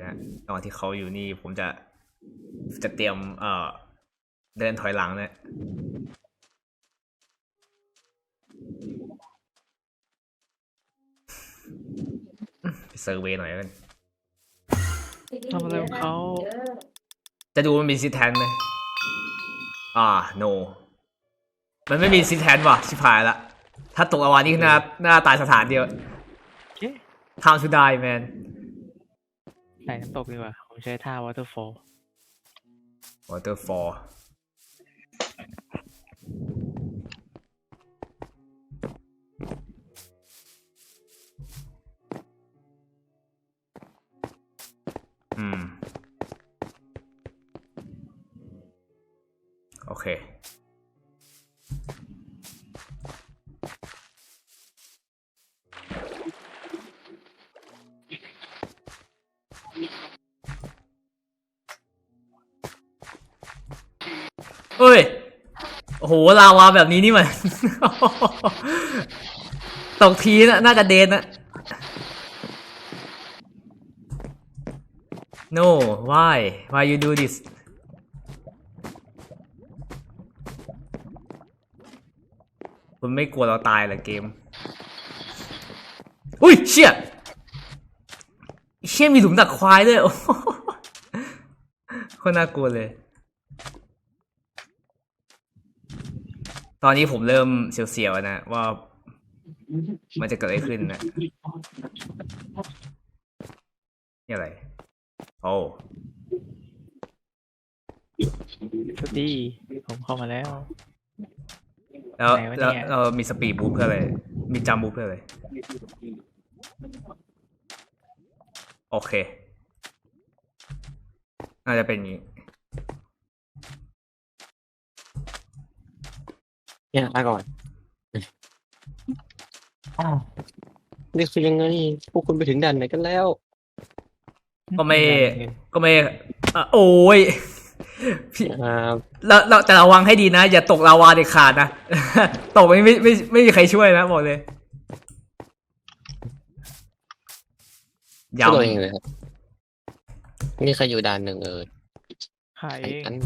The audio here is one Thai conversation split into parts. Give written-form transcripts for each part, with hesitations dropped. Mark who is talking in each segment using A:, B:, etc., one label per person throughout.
A: นะตอนที่เขาอยู่นี่ผมจะเตรียมเดินถอยหลังนะไปเซอร์เวย์หน่อยกัน
B: ทำอะไรของเขา
A: จะดูมันมีซิแทนไหมno มันไม่มีซิแทนว่ะชิบหายละถ้าตกอวานี่หน้าตายสถานเดียว
B: เอ๊ะ
A: time to die man
B: ไหนน้ำตกดีกว่าผมใช้ท่า waterfall
A: waterfall โอเคเฮ้ยโอ้โหลาวาแบบนี้นี่มัน ตกทีน่าจะเดนนะ no why you do this คุณไม่กลัวเราตายเหรอเกมอุ้ยเชี่ยมีหลุมดักควายด้วยโอ้โหคนน่ากลัวเลยตอนนี้ผมเริ่มเสียวๆนะว่ามันจะเกิดอะไรขึ้นนะนี่อะไรโอ้
B: สวัสดีผมเข้ามาแล้ว
A: แล้ว
B: ไหนวะเนี่ย
A: เรามีสปีดบูทเพื่ออะไรมีจัมบูทเพื่ออะไรโอเคน่าจะเป็นอย่างนี้
C: เนี่ยลาก่อนนี่คือยังไงพวกคุณไปถึงด่านไหนกันแล้ว
A: ก็ไม่โอ้ยพี่
C: อ่า
A: แล้วแต่ระวังให้ดีนะอย่าตกลาวาเด็ดขาดนะ ตกไม่มีใครช่วยนะบอกเลย
C: ตัวเองเลยครับมีใครอยู่ด่านหนึ่ง
B: ขาย
C: ไอ้
B: เอง
C: อัน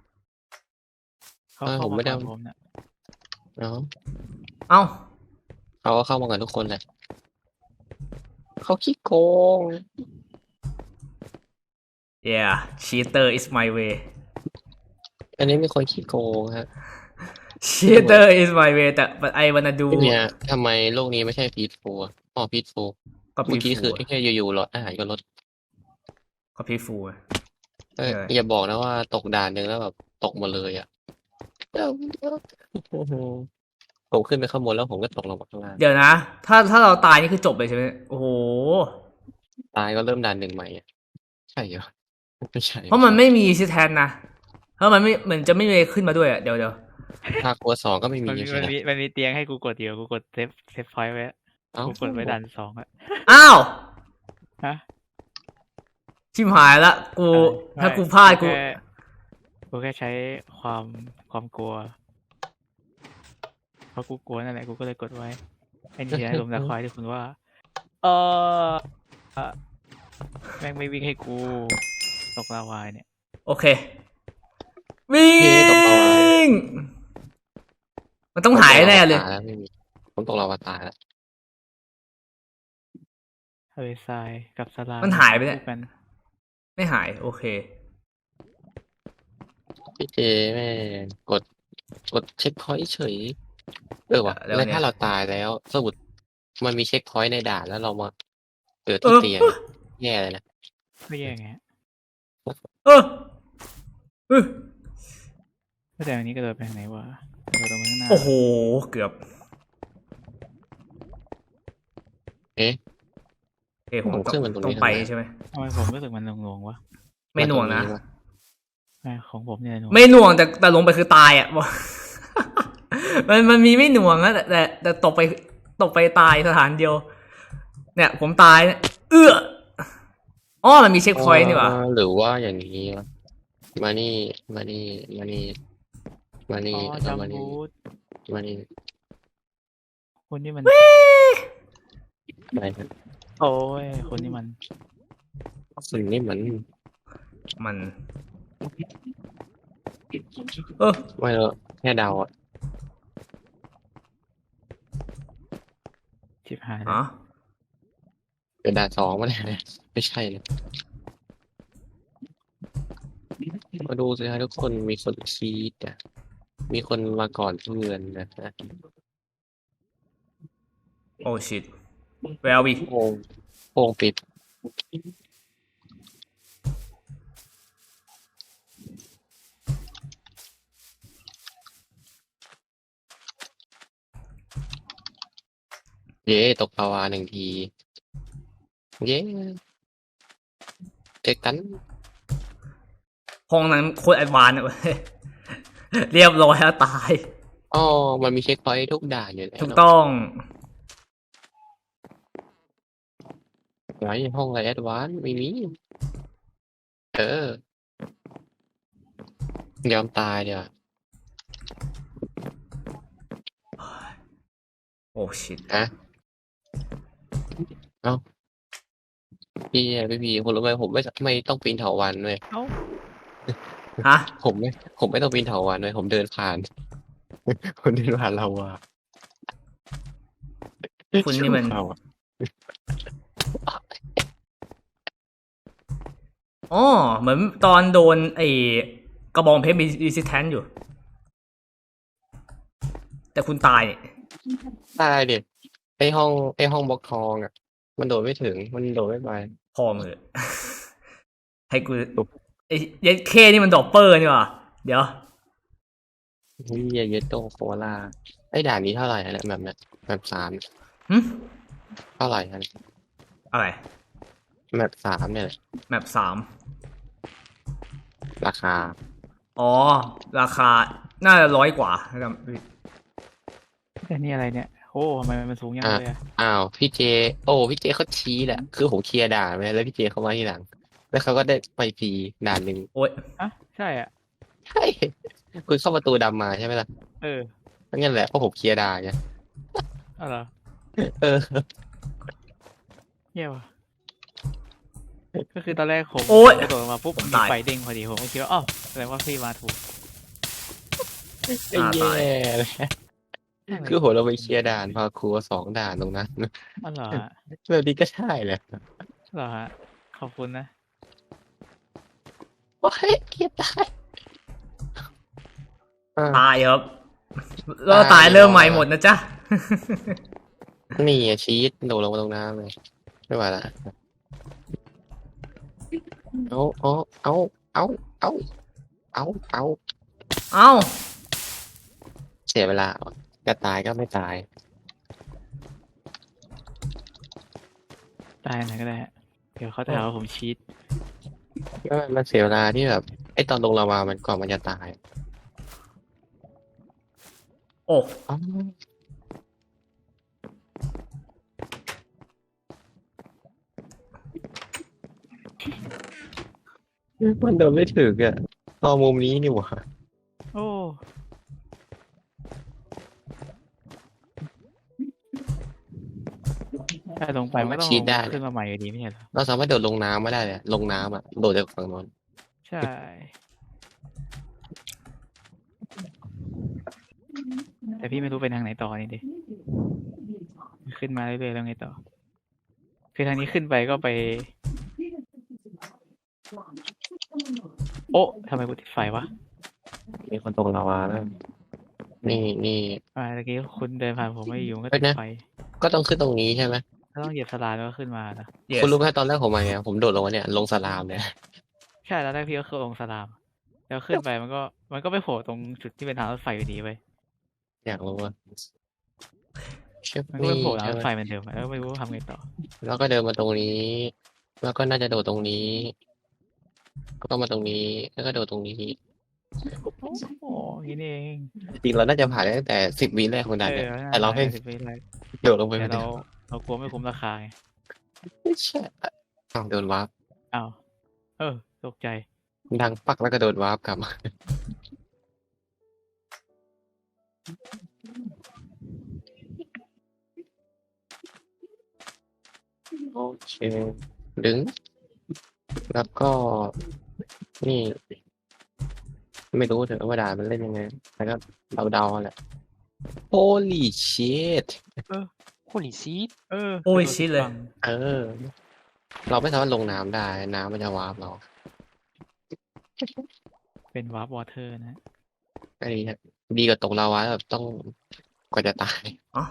B: เขาเข้า
C: ผมไม่
B: มา
C: ได้
B: ก่อนผมเนี่ย
C: เนาะ
A: เอ้า
C: เขาก็เข้ามากันทุกคนแหละเขาขี้โกง
A: yeah cheater is my way
C: อันนี้มีคนขี้โกงฮะ
A: cheater is my way แต่ but I wanna do
C: เนี่ยทำไมโลกนี้ไม่ใช่พีทฟูอ๋อพีทฟู
A: ก็
C: เมื่อกี้คือ
A: peaceful
C: แค่อยู่ๆรถอาหารก็ลด
A: ก็ peaceful
C: อย่าบอกนะว่าตกด่านหนึ่งแล้วแบบตกหมดเลยอ่ะผมขึ้นไปข้างบนแล้วผมก็ตกลงมาข้างล่าง
A: เดี๋ยวนะถ้าเราตายนี่คือจบเลยใช่ไหมโอ้โห
C: ตายก็เริ่มด่านหนึ่งใหม่อ่ะใช่เหรอไม่ใช่
A: เพราะมันไม่มีซิแทนนะเพราะมันไม่เหมือนจะไม่มีขึ้นมาด้วยอ่ะเดี๋ยว
C: ภาคตัว2ก็ไม่มี
B: มันมี
C: ใช่ไหม
B: มันมีเตียงให้กูกดเดียวกูกดเซฟพอยต์ไว้
C: เอ้า
B: กูกดไว้ดัน2อะ
A: อ้าว
B: ฮะ
A: ชิมหายละกูถ้ากูพลาด
B: กูแค่ใช้ความกลัวเพราะกูกลัวนั่นแหละกูก็เลยกดไว้ไอ้นี่นะลมตะควายที่คุณว่าเออแม่งไม่วิ่งให้กูตกลาวาเนี่ย
A: โอเควิ่งมันต้องหายแน่เลย
C: ไม่มีผมตกลาวาตายแล้ว
B: ทะเลทรายกับสลาม
A: มันหายไปเนี่ย
B: คู่กัน
A: ไม่หายโอเค
C: พี่เจแม่งกดเช็คพอยต์เฉยว่ะ
A: แล้ว
C: แล้ว
A: เนี่ย
C: ถ้าเราตายแล้วสมมุติมันมีเช็คพอยต์ในด่านแล้วเรามาเกิดที่เตียงแย่เลยนะ
B: ไม่แย่ไง
A: เออเออ
B: แต่อันนี้กระโดดไปทางไหนวะกระโดดตรงข้างหน้า
A: โอ้โหเกือบ
C: เอ๊ะ
A: เอ้ยผม
C: ผมขึ้นมันตรงนี้
A: ต้องไป
C: ทำไม
A: ใช่ไหม
B: ทำไมผมรู้สึกมันหน่วงๆวะ
A: ไม่หน่วงนะ
B: ของผมเนี่ยหน่วง
A: ไม่หน่วงแต่ลงไปคือตายอ่ะ มันมีไม่หน่วงนะแต่ตกไปตายสถานเดียว เนี่ยผมตายเนี่ยอ๋อมันมีเช็คพอยต์นี่หว่า
C: หรือว่าอย่างนี้วะมานี่มานี่มานี่มานี่
B: อ๋อ
C: แล้ว
B: จั
C: ก็
B: ม
C: มานี่
B: บูท
C: มานี่
B: คนที่มัน
C: อะไรนะ
B: โอ้ยคนที่มัน
C: สิ่งนี้มัน
A: มัน เออ
C: ไม่เลอะแค่เดาอ่ะ
B: ชิบหายแล้
A: ฮะ
B: ว
C: เดี๋ยวด่านสองมาเลยไม่ใช่เลยมาดูสิฮะทุกคนมีคนชีตอ่ะมีคนมาก่อนเพื่อนนะฮะ
A: โอ้ชิต where are we
C: โป่งปิดเย้ตกปลาวาหนึ่งทีเย้เจอกัน
A: ห้องนั้นโคตรแอดวานซ์เลยเว้ย เรียบร้อยแล้วตาย
C: อ๋อมันมีเช็คพอยต์ทุกด่านอยู่แล้ว
A: ถูกต้อง
C: ไหนห้องอะไรแอดวานซ์ไม่มีเออยอมตายเดี๋ยว
A: โอ้ชิต
C: ฮะเอ้าพี่คุณรู้ไหมผมไม่ต้องปีนเถาวัลย์เลย
B: เอ้า
A: ฮะ
C: ผมไม่ต้องปีนเถาวัลย์เลยผมเดินผ่าน ผมเดินผ่านเราอะ
A: คุณนี่มัน
C: เราอะ
A: อ๋อ เหมือนตอนโดนไอ้กระบองเพชรมีรีสิสแทนอยู่ แต่คุณตายเนี่ย
C: ตายเด็ดไอห้องบล็อกทองอะมันโดดไม่ถึงมันโดดไม่ไป
A: พอมือ ให้กูไอ้เย็ดเคนี่มันดอปเปอร์นี่หว่าเดี๋ยว
C: นี่เยโตโคลาไอด่านนี้เท่าไหร่อะเนี่ยแบบเนี้ยแบบสาม
A: หึ
C: เท่าไหร่ฮะ
A: อะไร
C: แบบสามเนี่ย
A: แมป3
C: ราคา
A: อ๋อ ราคา น่าจะ100 กว่านะครับ
B: แต่นี่อะไรเนี่ยโอ้ทำไมมันสูงยังเลยอะ
C: อ้าวพี่เจพี่เจเขาชี้แหละคือผมเคลียร์ด่านไปแล้วพี่เจเขามาทีหลัง แล้วเขาก็ได้ไปฟรีด่านหนึ่ง
A: โอ้ย
B: อ่ะใช่อ่ะ
C: ใช่คุณเข้าประตูดำมาใช่ไหมล่ะ
B: เออ
C: งั้นแหละเพราะผมเคลียร์ด่านไง
B: เอาเหรอ
C: เออ
B: เยี่ยว่ะก็คือตอนแรกผม
A: โอ๊ย
B: กระโดดลงมาปุ๊บ
A: ผม
B: มี
A: ตาย
B: ไฟเด้งพอดีผมก็คิดว่าอ๋อแสดงว่าพี่มาถูก
C: ไอ้แย่เลยคือผมเราไปเคลียร์ด่านพาครัว2 ด่านตรงนั้น
B: อ๋อเหรอฮะ
C: แบบนี้ก็ใช่แหละ
B: เหรอฮะขอบคุณนะ
C: โอ้ยเคลียร์ได้อ่า
A: ตายครับ แล้วตายเริ่มใหม่หมดนะจ๊ะ
C: นี่อะชีสโดดลงมาตรงน้ำเลยไม่ไหวละเอาเอาเอาเอาเอาเอาเอา
A: เอ้า
C: เสียเวลาจะตายก็ไม่ตาย
B: ตายไหนก็ได้ฮะเดี๋ยวเขาจะหาว่าผมชีต
C: ก็มันเสียเวลาที่แบบไอ้ตอนลงลาวามันก่อนมันจะตาย
A: โอ้
C: อ๋อมันเดินไม่ถึงอ่ะตอนมุมนี้นี่หว่า
B: โอ้ถ้าลงไปมันก็ต้อง
C: ชีตได้
B: ขึ้นมาใหม่อยู่ดีไม่ใช่เหรอ
C: เราสามารถโดดลงน้ำไม่ได้เลยลงน้ำอ่ะโดดจากฝั่งโน้น
B: ใช่ แต่พี่ไม่รู้ไปทางไหนต่อนี่ดิขึ้นมาเรื่อยๆแล้วไงต่อ คือทางนี้ขึ้นไปก็ไป โอ้ทำไมกูติดไฟวะ
C: มีคนตกลาวาแล้วนี่
B: เมื่อกี้คุณเดินผ่านผมไม่อยู่ก็
C: เฮ้
B: ติ
C: ย
B: ด
C: นะ
B: ไฟ
C: ก็ต้องขึ้นตรงนี้ใช่ไหม
B: ถ้าต้องเหยียบสลามแล้วก็ขึ้นมานะ
A: yes
C: คุณรู้ไหมตอนแรกผมมาไงผมโดดลงมาเนี่ยลงสลามเนี่ย
B: ใช่แล้วแรกพี่ก็คือลงสลาม แล้วขึ้นไปมันก็ไปโผล่ตรงจุดที่เป็นทางรถไฟอยู่ดีไป
C: อยากรู้ว่าเชฟ
B: มันก็ไป
C: นี่
B: โผล่ทาง
C: ใช่
B: รถ
C: ไหม
B: ไฟเหมือนเดิมแล้วไม่รู้ทำไงต่อ
C: แล้วก็เดินมาตรงนี้ แล้วก็น่าจะโดดตรงนี้ก็มาตรงนี้แล้วก็โดดตรงนี้
B: โอ้ยนี่เอง
C: จริงเราน่าจะผ่านได้ตั้งแต่10 วิแรกของด่านเนี่ยแต่เราให้
B: สิบวิแรก
C: โดดลงไป
B: แต่
C: ไม่ได้
B: เรากลัวไม่คุ้มราคาไง
C: ไม่ใช่อ้าวโดนวาร์ป
B: อ้าวตกใจ
C: ดังปักแล้วก็โดนวาร์ปกลับมาโอเคดึงแล้วก็ นี่ ไม่รู้เถอะว่าด่านมันเล่นยังไงแต่ก็เดาๆแหละ Holy shit
D: โคลิซีด
A: โอ้ย
B: กระโดด
A: ชิดเลย
B: ฝั่ง
C: เออ เราไม่สามารถลงน้ำได้ น้ำมันจะวาร์ปเรา
B: เป็นวาร์ปวอเตอร์นะ
C: ไอ้เนี่ยดีกว่าตกลาวาแบบต้องกว่าจะตาย
A: อ๋อ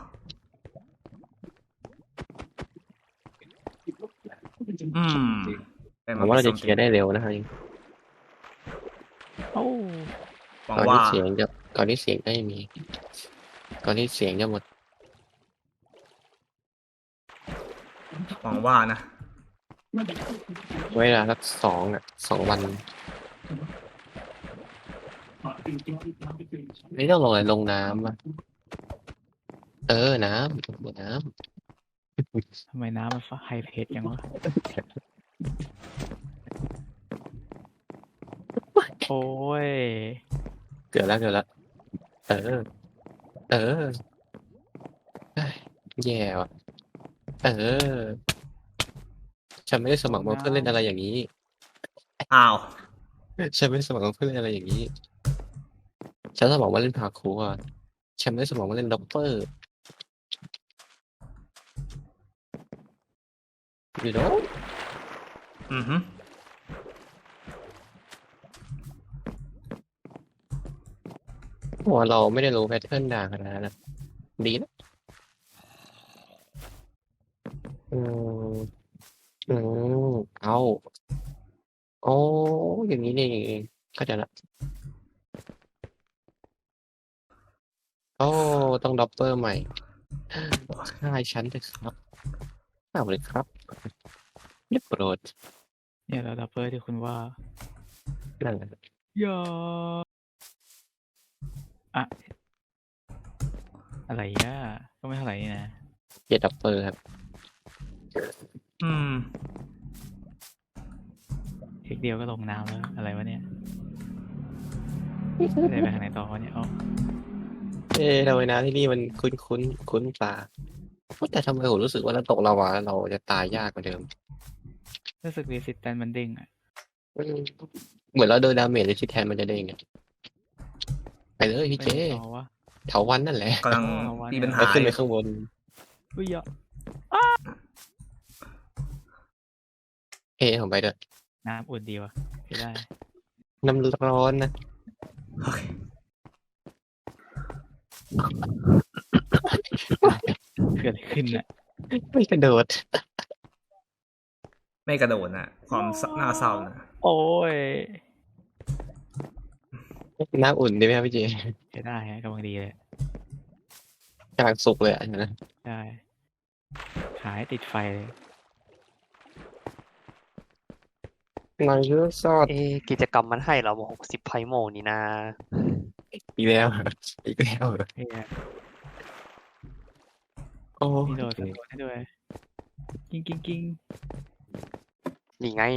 A: อืมแต่
C: ผมว่าเราจะเคลียร์ได้เร็วนะครับ
B: โอ้
A: หวัง
C: ก่อน
A: ว่า
C: ที่เสียงจะก่อนที่เสียงจะไม่มี ก่อนที่เสียงจะหมด
A: หวังว่านะ
C: เวลาสัก2 วัน ไม่ต้องลงอะไรลงน้ำอะน้ำ
B: ทำไมน้ำมันไฮเพจยังวะโอ้ย
C: เกิดแล้ว เออ เอ้ยแย่ว่ะ ฉันไม่ได้สมัครมาเพื่อเล่นอะไรอย่างนี้
A: อ้าว
C: ฉันไม่ได้สมัครมาเพื่อเล่นอะไรอย่างนี้ ฉันสมัครมาเล่นพาร์คูร์อะฉันไม่ได้สมัครมาเล่นด็อปเปอร์ you know
A: อือฮึ
C: เพราะว่าเราไม่ได้รู้แพทเทิร์นด่าขนาดนั้นนะดีนะอืมอืมเอาโอ้อย่างนี้นี่เองเข้าใจละโอ้ต้องด็อปเปอร์ใหม่ฆ่าฉันเถอะครับฆ่าเลยครับเรียบโปรด
B: เนี่ยเราดับเบิลที่คุณว่า
C: นั่นแหละ
B: อย่าอะอะไรอ่ะก็ไม่เท่าไหร่นี่นะ
C: เกียร์ด็อปเปอร์ครับ
A: อืม
B: เทคเดียวก็ลงน้ำแล้ว อะไรวะเนี่ยไม่ได้ไปทางไหนต่อวะเนี่ยเอา
C: ทำไมน้ำที่นี่มันคุ้นตาแต่ทำไมผมรู้สึกว่าเราตกลาวาแล้วเราจะตายยากกว่าเดิม
B: รู้สึกรีสิสแตนมันเด้งอ่ะ
C: อืมเหมือนเราโดนดาเมจเลยที่แทนมันจะได้ไงไปเลยพี่เจ
B: ไม่ต่อวะ
C: เถาวันนั่นแหละ
A: กำลัง
B: เอาวะ
A: มีปัญ
C: ไป
A: หา
C: ขึ้น
A: อ
C: ไป
A: ยู่
C: ข้างบน
B: อุ้ยอย่า
C: ผมไปด้วย
B: น้ำอุ่นดีวะไม่ได้
C: น้ำร้อนนะ
A: โอเค
B: เกิดอะไรขึ้นอ่ะ
C: ไม่กระโดด
A: ไม่กระโดดนะความน่าเศร้านะ
B: โอ้ย
C: น้ำอุ่นดีไหมครับพี่เจ
B: ใช้ได้ฮะกำลังดีเลย
C: กลางสุกเลยอ่ะนะ
B: ได้ขายติดไฟเลย
C: นายเยอะซอด
D: กิจกรรมมันให้เรา60ไพโมนี่นะ
C: อีกแล้วอีกแล้วเหรอ
B: เฮีย
C: โอ้
B: มีโดดสะโดดให้ด้วย กิ้ง
D: นี่ไง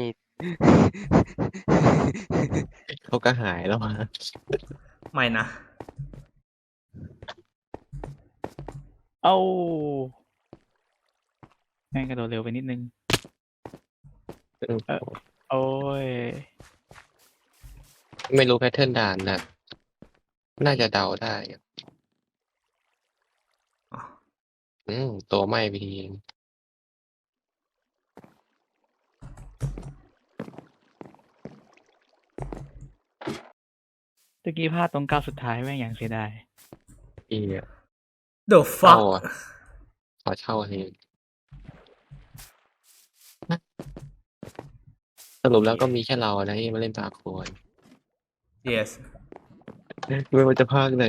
C: เขาก็หายแล้วมา
A: ไม่นะ
B: เอ้าแม่งกระโดดเร็วไปนิดนึง โอ้ย
C: ไม่รู้แพทเทิร์นด่านนะน่าจะเดาได้อะ
A: อ๋อ
C: ตัวไหม้ไปที
B: ตะกี้พลาดตรงก้าวสุดท้ายแม่งอย่างเสียดาย
C: อีเนี่ย
A: The
C: เช่า
A: fuck
C: อ่ะขอเช่าทีสรุปแล้วก็มีแค่เรานะที่มาเล่นปาโคน
A: yes
C: ไม่ว่าจะภาคไหน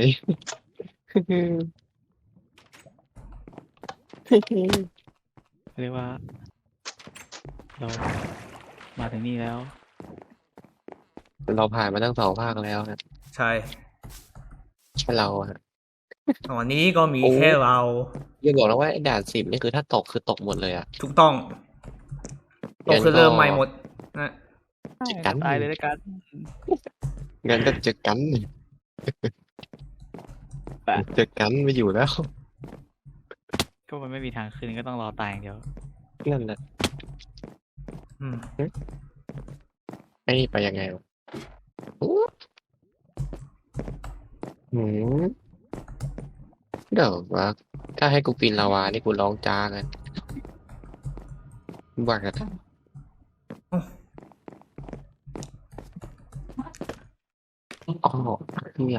B: เรียกว่า เรามาถึงนี่แล้ว
C: เราผ่านมาตั้ง2 ภาคแล้วนะ
A: ใช่
C: แค่เราอะ
A: ตอนนี้ก็มี
C: โอ้
A: แค่เรา
C: อย่าบอกนะว่าไอ้ด่าน10นี่คือถ้าตกคือตกหมดเลยอ่ะ
A: ถูกต้องเราคือเริ่มใหม่หมดนะ
C: จัดการ
B: ตายเลยแล้วกัน
C: งั้นก็เจอกัน
B: แปะ
C: เจอกันไม่อยู่แล้ว
B: ก็มันไม่มีทางขึ้นก็ต้องรอตายอย่างเดียว
C: นั่นแหละ
A: อืม
C: ไอ้นี่ไปยังไงวะอู้หืมเดี๋ยววะถ้าให้กูปีนลาวานี่กูร้องจ้าเลยบ้ากันอ๋อเนี่ย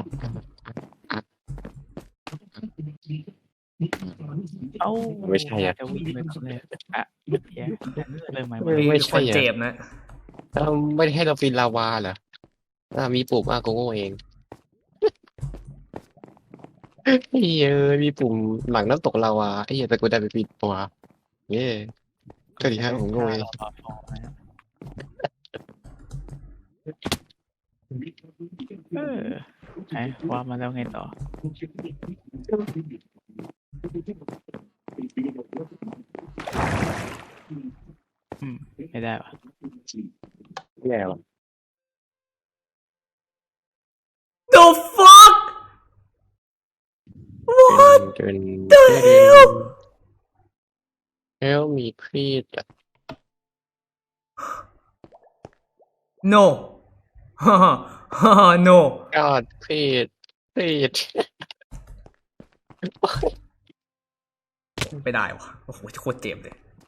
B: เอ้า
C: ไม่ใช่อะ
B: จะวิ่งไปก่อนเลยอ่ะเหี้ยเริ่มใหม่
C: ไม่
A: มี
C: ใช่
A: คน
C: อะ
A: เจ็บนะ
C: ไม่ได้ให้เราปีนลาวาเหรอมีปุ่มกูโง่เองเฮ้ยมีปุ่มหลังน้ำตกลาวาไอ้เหี้ยแต่กูได้ไปปีนตัวเย้ก็ดีฮะผมโง่เอง
B: ต่อฟองนะไหนว่ามาแล้วไงต่อไม่ได้วะ
C: แย่ว่ะ
A: The fuck
C: จน
A: the hell
C: แล้วมีครีดอะ
A: no no
C: ยอดครีด
A: ไม่ได้วะโอ้โหโคตรเจ็บเลย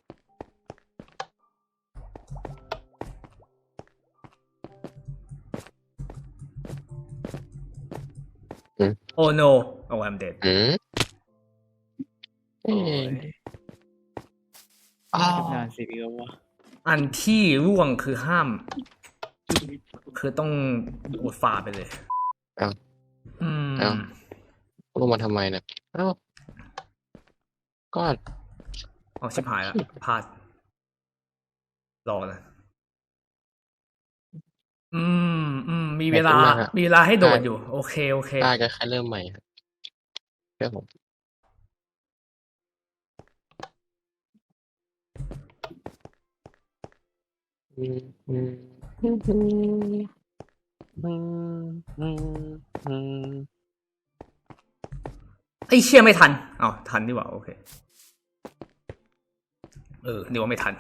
A: oh no oh I'm dead
C: อืม
B: โอ้ย
C: อ้าว
B: นานสิพี่ก็ว่า
A: อันที่ร่วงคือห้าม คือต้องอุดฝาไปเลย อืม
C: ลงมาทำไมเนี่ยอ้าวก็
A: เอาชิบหายละพลาดรอนะมีเวลา มีเวลาให้โดดอยู่ โอเค
C: ได้ก็แค่เริ่มใหม่ครับเชื่อผมอืมอืมอืมอืม
D: อืมอืมอืม
A: ไอ้เชี่ยไม่ทันอ้าวทันดีกว่า โอเค นึกว่าไม่ทัน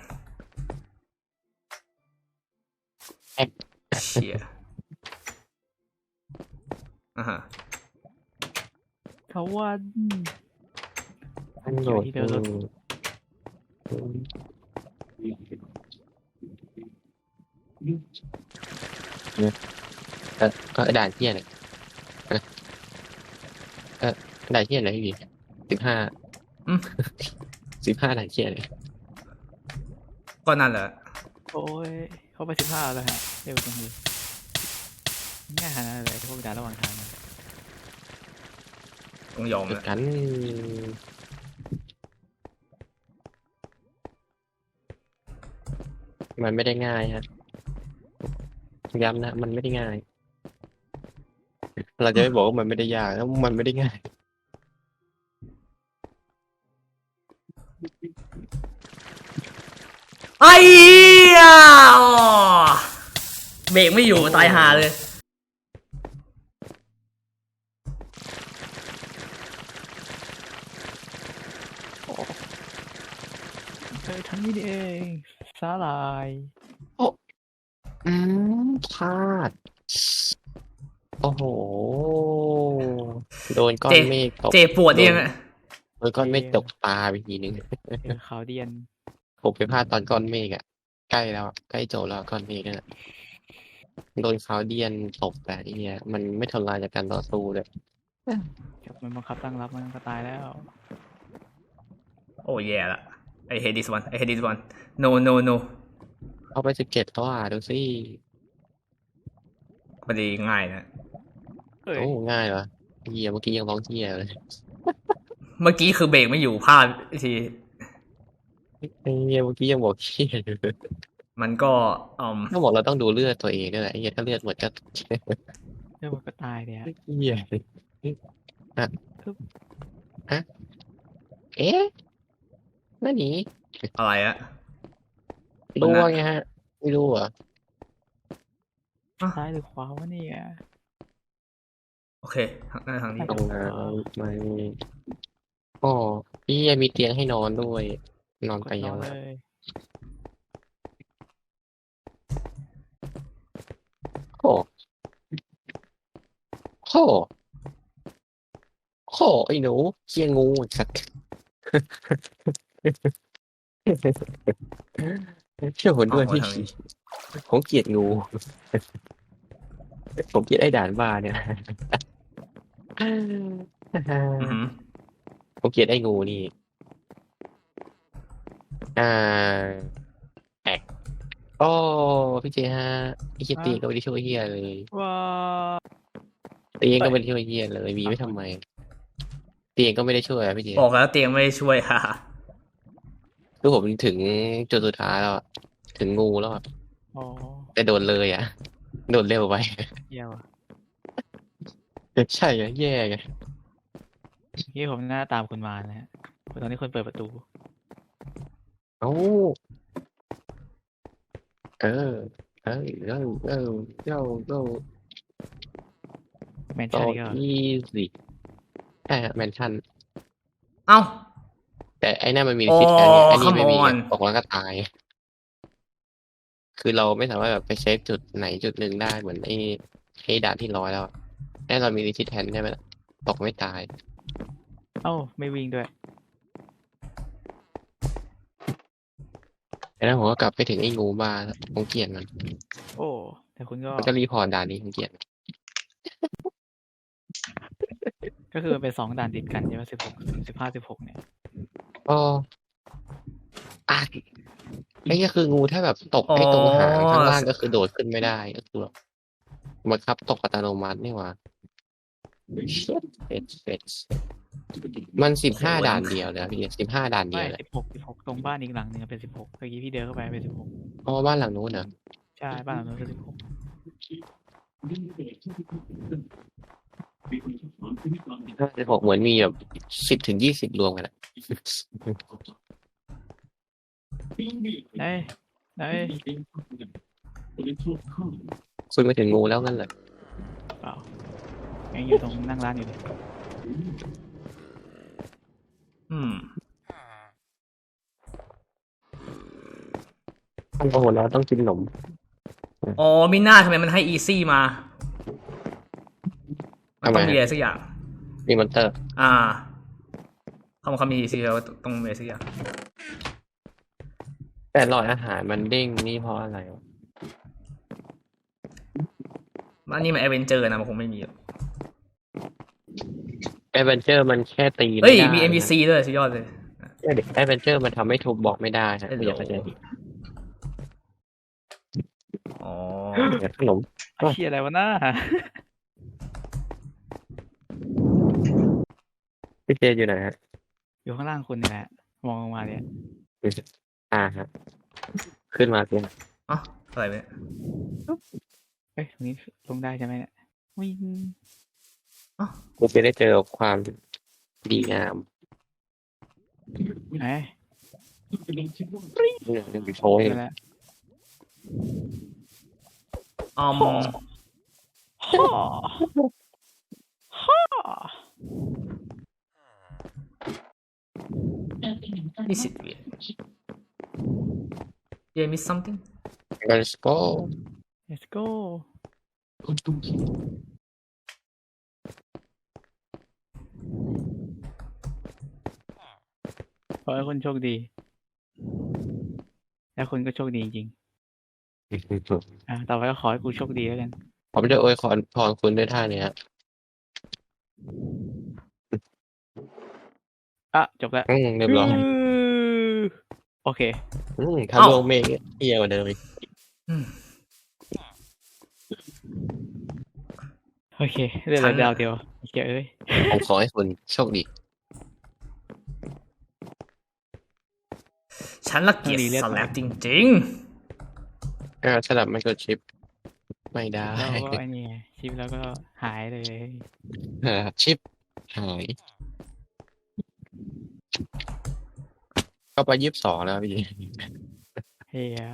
A: เชี่ยฮะ
B: เขาวัน
C: โหลด
B: ที่เดิมรถ
C: ก็ด่านเที่ยเนี่ยด่านเที่ยอะไรพี่15
A: อืม
C: 15ด่านเที่ยเลย
A: ก็นั่นแหละ
B: โอ้ยเข้าไป15แล้วฮะเร็วจังเลยง่ายขนาดนั้นเลยพวกด่านระหว่างทางนะ
A: ต้องยอม
C: เหมือ
A: นะ
C: นกัน มันไม่ได้ง่ายฮะย้ำนะมันไม่ได้ง่าย เราจะไม่บอกว่ามันไม่ได้ยากแล้วมันไม่ได้ง่าย
A: ไอ้เหี้ยเบรกไม่อยู่ตายหาเลย
B: ทั้งนี้นี่เองสาลาย
C: อืมพลาด โอ้โห โดนก้อนเมฆตก
A: เจ็บปวดยังอะ
C: โดนก้อนเมฆตกตาไปทีนึง
B: ขาวเดียน
C: ผมไปพลาดตอนก้อนเมฆอ่ะ ใกล้แล้วใกล้จบแล้วก้อนเมฆนั่นแหละโดนคาวเดียนตกแต่ไอ้เนี่ยมันไม่ทนลายจากการต่อสู้เลย
B: มันบังคับตั้งรับมันก็ตายแล้ว
A: โอ้แย่ละI hate this one no
C: เอาไป17แล้วดูสิ
A: ไม่ได้ง่ายนะ
B: เฮ้ย
C: โอ้ง่ายเหรอเฮียเมื่อกี้ยังร้องเฮียเลย
A: เมื่อกี้คือเบรกไม่อยู่พลาดที
C: เฮียเมื่อกี้ยังบอกเฮียอยู่เลย
A: มันก็
C: ถ้าบอกเราต้องดูเลือดตัวเองด้วยแหละไอ้เฮียถ้าเลือดหมดก็
B: เดี๋ยวมันก็ตายเนี่ย
C: เฮียอ่ะอะเอ๊ะนั่นนี่
A: อะไรอะ
C: รู้ว่าไงฮะไม่รู้เหรอ
B: ซ้ายหรือขวาวะเนี่ย
A: โอเคทางนี้
C: ตรงนั้นไม่อ๋อเฮียมีเตียงให้นอนด้วย นอนไป
B: น
C: ยั
B: อง น
C: ไง
B: เลย
C: โหไอ้หนูเคียงูสัตว์เชื่อผมด้วย
A: อ๋อ
C: พี่
A: ทำไม
C: ผมเกลียดงู ผมเกลียดไอ้ด่านบ้าเนี่ย
A: อือหือ
C: ผมเกลียดไอ้งูนี่อ่าแอกโอ้พี่เจฮะไอ้เฮียตีก็ไม่ได้ช่วยเฮียเลย
B: ว้า
C: ตีเองก็ไม่ได้ช่วยเฮียเลยมีไว้ทำไมตีเองก็ไม่ได้ช่วยอะพี่เจ
A: บอกแล้วเตียงไม่ได้ช่วย ฮ่า
C: คือผมถึงจุดสุดท้ายแล้วอะถึงงูแล้วอะ
B: อ๋อ
C: แต่โดนเลยอ่ะโดนเร็วไป
B: เยี่ยว่ะ
C: ใช่ไงแย่ไง
B: ที่ผมหน้าตามคุณมานะฮะตอนนี้คนเปิดประตู
C: เอ้าเออเออเออเออเออเออ
B: แมน
C: ต่อ
B: ชั่นก็
C: อีสิใช่ฮะแมนชั่น
A: เอ้า
C: แต่ไอ้นั่นมันมี
A: อ๋อ
C: ซิทแอนไงไอ้นี่ไม่มี
A: come on
C: ตกแล้วก็ตาย คือเราไม่สามารถแบบไปเซฟจุดไหนจุดหนึ่งได้เหมือนไอ้ด่านที่ร้อยแล้วอะแน่เรามีซิทแอนใช่ไหมล่ะตกไม่ตาย
B: เอ้าไม่วิ่งด้วย
C: ไอ้นั่นผมก็กลับไปถึงไอ้งูบ้าแล้วผมเกลียดมัน
B: โอ้แต่คุณก็
C: มันก็รีพอร์ตด่านนี้ผมเกลียด
B: ก็คือมันเป็น2ด่านติดกันใช่ไหม16 15 16เนี่ย
C: อ๋ออ่ะไอ้ก็คืองูถ้าแบบตกไอ้ตรงหางข้างล่างก็คือโดดขึ้นไม่ได้ก็คือแบบบังคับตกอัตโนมัตินี่หว่าเฟดมัน15 ด่านเดียวเลยอะพี่15 ด่านเดี
B: ไม่
C: ยวเลย
B: 16ตรงบ้านอีกหลังหนึ่งเป็น16เมื่อกี้พี่เดินเข้าไปเป็น16
C: อ๋อบ้านหลังนู้นเหรอ
B: ใช่บ้านหลังนู้นคือ
C: 16เหมือนมีแบบ10 ถึง 20รวมกันอะ
B: 16ไหน
C: คุณมาถึงงูแล้วงั้นเหรอ
B: เปล่ายังอยู่ตรงนั่งร้านอยู่เลย
A: อืม
C: โอ้โหเราต้องกินขนม
A: อ๋อมิน่าทำไมมันให้อีซี่มา มันต้อง
C: ทำไม
A: มีอะไรสักอย่าง
C: มีมอนเตอร์
A: อ่าเขามีอีซี่แล้วต้องมีอะไรสักอย่าง
C: แต่หลอดอาหารมันเด้งนี่เพราะอะไรวะ
A: อันนี้มันแอดเวนเจอร์นะมันคงไม่มีหรอก
C: แอดเวนเจอร์มันแค่ตี
A: เฮ้ย
C: ไได้
A: มี NPC ด้วยสุดยอดเลย
C: แอดเวนเจอร์มันทำให้ทุบบล็อกไม่ได้ฮะ
A: เอ้ย
C: ไม่อยากเข้าใจผิด
A: อ๋อ
C: อยากขนม
B: ไอ้เชี่ยอะไรวะน้า
C: พี่เจอยู่ไหนฮะ
B: อยู่ข้างล่างคุณนี่แหละมองลงมาเนี่ย
C: ฮะขึ้นมาเพียง
A: อ๋ออะไรเนี่ย
B: เอ้ยตรงนี้ลงได้ใช่ไหมเนี่ยวิ่ง
C: คุณจะได้เจอกับความดีงาม
B: ไหน
C: เนี่ยโชว์ให้
B: นั่นแหละ
A: อ๋อ
B: ฮ่าฮ่า
A: Is it weird? Did I miss something?
C: Let's go
B: let's go ขอให้คุณโชคดี แล้วคุณก็โชคดีจริงๆต่อไปก็ขอให้กูโชคดีแล้วกัน
C: ผมจะอวยพรคุณด้วยท่านี้ฮะ
B: จบแล้ว
C: เรียบร้อย
B: โอเค
C: ถ้าลงเมฆเอียกว่าเดิมอีก
A: อืม
B: โอเคเรื่องดาวเดียวโอเคเอ้ย
C: ผมขอให้คุณโชคดี
A: ฉันละเกียจสแลปจริง
C: สลับไมโครชิป ไม่ได้
B: แล้วก็ไอ้นี่ไงชิปแล้วก็หายเลย
C: ชิปหาย ก็ไป22แล้วพี่
B: เฮีย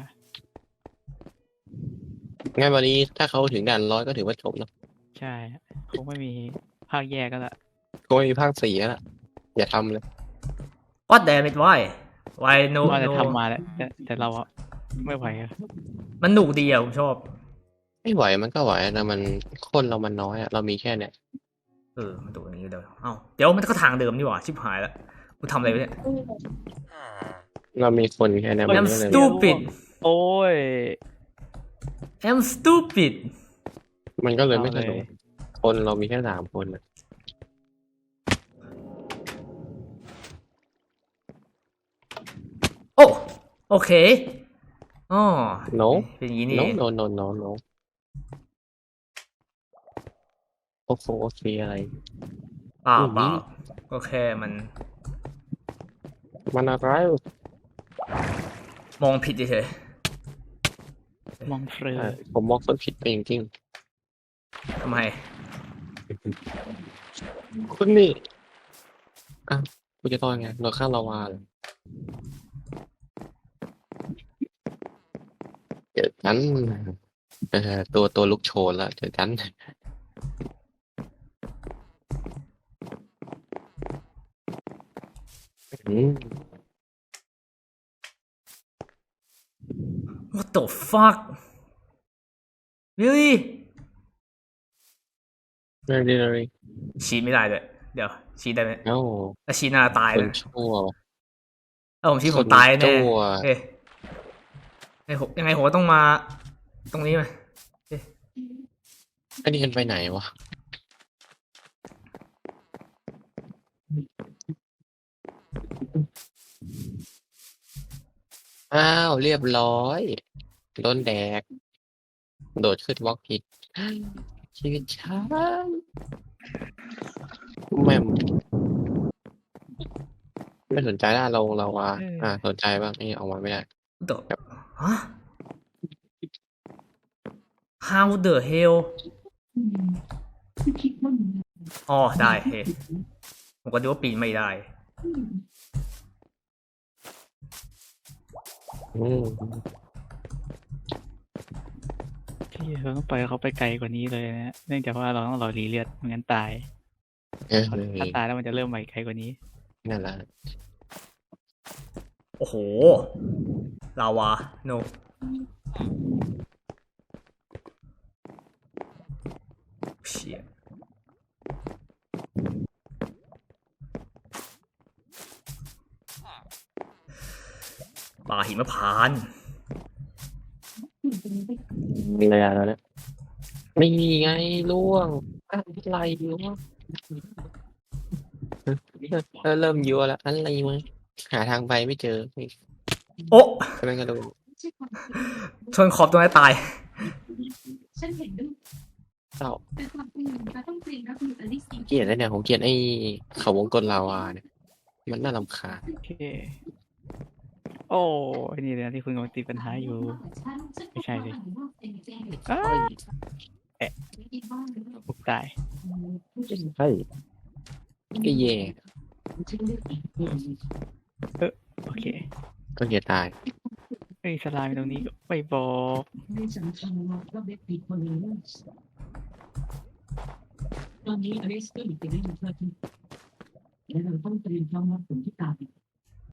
C: งั้นวันนี้ถ้าเขาถึงด่าน100ก็ถือว่าจบเนอะ
B: ใช่คงไม่มีภาคแยกก็ละ
C: ก็ไม่มีภาค4แล้วล่ะอย่าทำเลย
A: ๆ What damn it why why no
B: ว่าจะ
A: no
B: ทำมาแล้วแต่เราอะไม่ไหวอะ
A: มันหนุกดีอ่ะผมชอบ
C: ไม่ไหวมันก็ไหวนะมันคนเรามันน้อยอะเรามีแค่เนี่ย
A: มันดูอย่างนี้เดี๋ยวเอ้าเดี๋ยวมันก็ทางเดิมนี่หว่าชิบหายแล้วกูทำอะไรไปเนี่ย
C: เรามีคนแค่เนี้ยมัน
A: I'm
C: ก็เลย
A: stupid
B: โอ้ย
A: I'm stupid
C: มันก็เลยไม่ส
B: เอา
C: นุ
B: เล
C: ก
B: ย
C: คนเรามีแค่3 คนอะ
A: โอ้โอเคอ๋อ
C: โน
A: เป็นอย่างนี้นี่
C: โน
A: เอง
C: โนโนโนโนโอ้โหโอเคอะไร
A: เปล่า
C: อืม
A: เปล่าก็แค่มัน
C: มันอะไร
A: มองผิดเฉย
B: มองเฟรอ
C: ผมมองคนผิดไปจริง
A: ๆทำไม
C: ๆคุณนี่อ่ะกูจะต้อนไงโดนข้างลาวาเลยเจอกันตัวลุกโชนแล้วเจอกันอืม
A: What the fuck really
C: เรื่องดีเลย
A: ชี้ไม่ได้เลยเดี๋ยวชี้ได้ไหม
C: เอ้า
A: ถ้าชี้หน้าตาย
C: ค
A: เล
C: น
A: ย
C: ชั่ว
A: ผมชี้ผมตาย
C: คน
A: แน่
C: ชั่ว
A: เอ๊ะผมยังไงผมก็ต้องมา ตรงนี้ไหม
C: อันนี้กันไปไหนวะอ้าวเรียบร้อยโดนแดก โดดขึ้นบล็อกผิดชีวิตฉันแม่มไม่สนใจละเราว่าสนใจบ้างนี่ออกมาไม่ได้
A: เดฮะ How the hell อ๋อได้เฮ้ยผมก็ดูว่าปีนไม่ได้
C: อืม
B: ที่เราต้องปล่อยเขาไปไกลกว่านี้เลยนะเนื่องจากว่าเราต้องรอรีเลือดไม่งั้นตาย ถ้าตายแล้วมันจะเริ่มใหม่ไกลกว่านี้
C: นั่นแหละ
A: โอ้โห ลาวา no เชี่ยป่าหิมพานต์
C: เลยอะแล้วเนี่ยไม่มีไงล่วงอะไรวะเริ่มยั่วแล้วอะไรมั้ยหาทางไปไม่เจอ
A: โอ้
C: ใช่ไหมก็ดู
A: ชนขอบตรงไหนตาย
E: ฉันเห็นด้วย
C: เศร้า
E: แต่ความจริงเราต้องเตรียมรับมือกับลิซี่
C: เกลียดแล้วเนี่ยผมเกลียดไอ้เขาวงกลลาวาเนี่ยมันน่ารำคาญ
B: โอเค โอ้ยนี่เลยนะที่คุณกำลังติดปัญหาอยู่ ไม่ใช่สิ อ้าปุ๊บตาย
C: ใช่ก็แย่
B: โอเค
C: ก็แย่ตาย
B: เฮ้ยสลามอยู่ตรงนี้ก็ไม่บอก
E: ไม่สำคัญว่าเบ็ดปีคนนี้ตอนนี้อลิสก็อยู่ในเรื่องเธอที่และเราต้องเตรียมพร้อมรับผลที่ตาม